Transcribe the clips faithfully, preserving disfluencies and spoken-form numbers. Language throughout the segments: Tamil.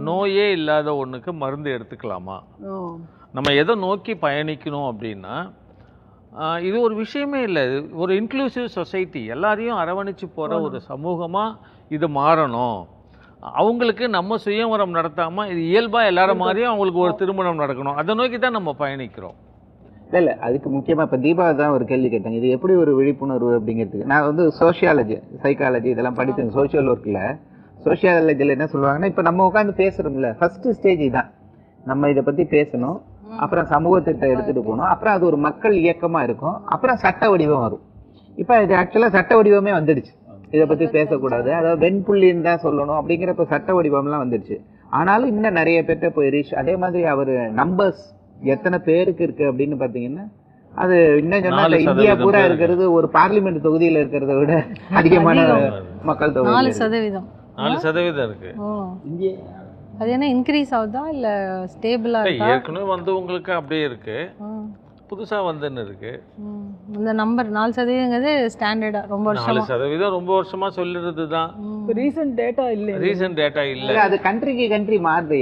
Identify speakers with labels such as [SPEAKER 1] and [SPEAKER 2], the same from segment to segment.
[SPEAKER 1] நோயே இல்லாத ஒண்ணுக்கு மருந்து எடுத்துக்கலாமா? நம்ம எதை நோக்கி பயணிக்கணும் அப்படின்னா, இது ஒரு விஷயமே இல்லை. ஒரு இன்க்ளூசிவ் சொசைட்டி, எல்லாரையும் அரவணைச்சு போற ஒரு சமூகமா இது மாறணும். அவங்களுக்கு நம்ம சுயவரம் நடத்தாம இது இயல்பா எல்லாரும் மாதிரியும் அவங்களுக்கு ஒரு திருமணம் நடக்கணும். அதை நோக்கி தான் நம்ம பயணிக்கிறோம்.
[SPEAKER 2] இல்லை இல்லை அதுக்கு முக்கியமாக இப்போ தீபா தான் ஒரு கேள்வி கேட்டாங்க, இது எப்படி ஒரு விழிப்புணர்வு அப்படிங்கிறதுக்கு. நான் வந்து சோஷியாலஜி, சைக்காலஜி இதெல்லாம் படித்தேன். சோஷியல் ஒர்க்கில் சோஷியாலஜியில் என்ன சொல்லுவாங்கன்னா, இப்போ நம்ம உட்காந்து பேசுகிறோம்ல, ஃபர்ஸ்ட் ஸ்டேஜ் தான் நம்ம இதை பற்றி பேசணும், அப்புறம் சமூகத்திட்ட எடுத்துகிட்டு போகணும், அப்புறம் அது ஒரு மக்கள் இயக்கமாக இருக்கும், அப்புறம் சட்ட வடிவம் வரும். இப்போ இது ஆக்சுவலாக சட்ட வடிவமே வந்துடுச்சு. இதை பற்றி பேசக்கூடாது, அதாவது வெண்புள்ளின்னு தான் சொல்லணும் அப்படிங்கிறப்ப சட்ட வடிவம்லாம் வந்துடுச்சு. ஆனாலும் இன்னும் நிறைய பேர்ட்ட போய் ரீச். அதே மாதிரி அவர் நம்பர்ஸ் எத்தனை பேருக்கு இருக்கு அப்படின்னு பாத்தீங்கன்னா, அது இன்னும் சொன்னா இந்தியா பூரா இருக்கிறது ஒரு பார்லிமெண்ட் தொகுதியில இருக்கிறத விட அதிகமான மக்கள் தொகை.
[SPEAKER 3] நாலு சதவீதம்
[SPEAKER 1] நாலு சதவீதம் இருக்கு.
[SPEAKER 3] அது என்ன இன்க்ரீஸ் ஆகுதா இல்ல ஸ்டேபிளா இருக்கா?
[SPEAKER 1] ஏற்கனவே வந்து உங்களுக்கு அப்படியே இருக்கு, புதுசா வந்துன்னு இருக்கு.
[SPEAKER 3] இந்த நம்பர் நாலு சதவீதங்கிறது ஸ்டாண்டர்டா ரொம்ப வருஷமா
[SPEAKER 1] நாலு சதவீதம் ரொம்ப வருஷமா சொல்லிறது தான்.
[SPEAKER 4] ரீசன்ட் டேட்டா இல்ல
[SPEAKER 1] ரீசன்ட் டேட்டா இல்ல,
[SPEAKER 2] அது கண்ட்ரிக்கு கண்ட்ரி மாறுது.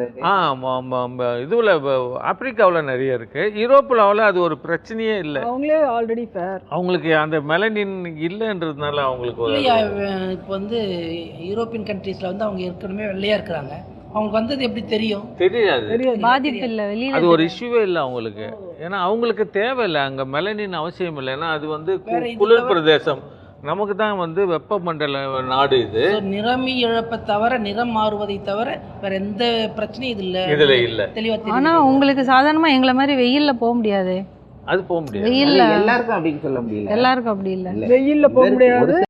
[SPEAKER 1] இதுல ஆப்பிரிக்காவில் நிறைய இருக்கு, யூரோப்பில் அது ஒரு பிரச்சனையே இல்லை.
[SPEAKER 4] அவங்களே ஆல்ரெடி ஃபேர்,
[SPEAKER 1] அவங்களுக்கு அந்த மெலனின் இல்லைன்றதுனால அவங்களுக்கு
[SPEAKER 5] இப்போ வந்து யூரோப்பியன் கண்ட்ரீஸ்ல வந்து அவங்க ஏற்கனவே வெள்ளையா இருக்கிறாங்க, அவங்களுக்கு வந்தது எப்படி தெரியும்?
[SPEAKER 1] தெரியாது,
[SPEAKER 3] பாதிப்பு இல்லை, வெளியில
[SPEAKER 1] அது ஒரு இஷ்யூவே இல்லை அவங்களுக்கு. ஏன்னா அவங்களுக்கு தேவையில்லை அங்க மெலனின் அவசியம் இல்லை. ஏன்னா அது வந்து குளிர் பிரதேசம், நமக்கு தான் வந்து வெப்பமண்டல நாடு. இது
[SPEAKER 5] நிறமி இழப்பை தவிர, நிறம் மாறுவதை தவிர வேற எந்த பிரச்சனையும் இது இல்ல
[SPEAKER 1] இதுல இல்ல
[SPEAKER 5] தெளிவா.
[SPEAKER 3] ஆனா உங்களுக்கு சாதாரணமா எங்களை மாதிரி வெயில்ல போக முடியாது.
[SPEAKER 1] அது போக முடியாது,
[SPEAKER 3] வெயில்ல
[SPEAKER 2] எல்லாருக்கும் அப்படின்னு சொல்ல முடியல,
[SPEAKER 3] எல்லாருக்கும் அப்படி இல்ல,
[SPEAKER 4] வெயில்ல போக முடியாது.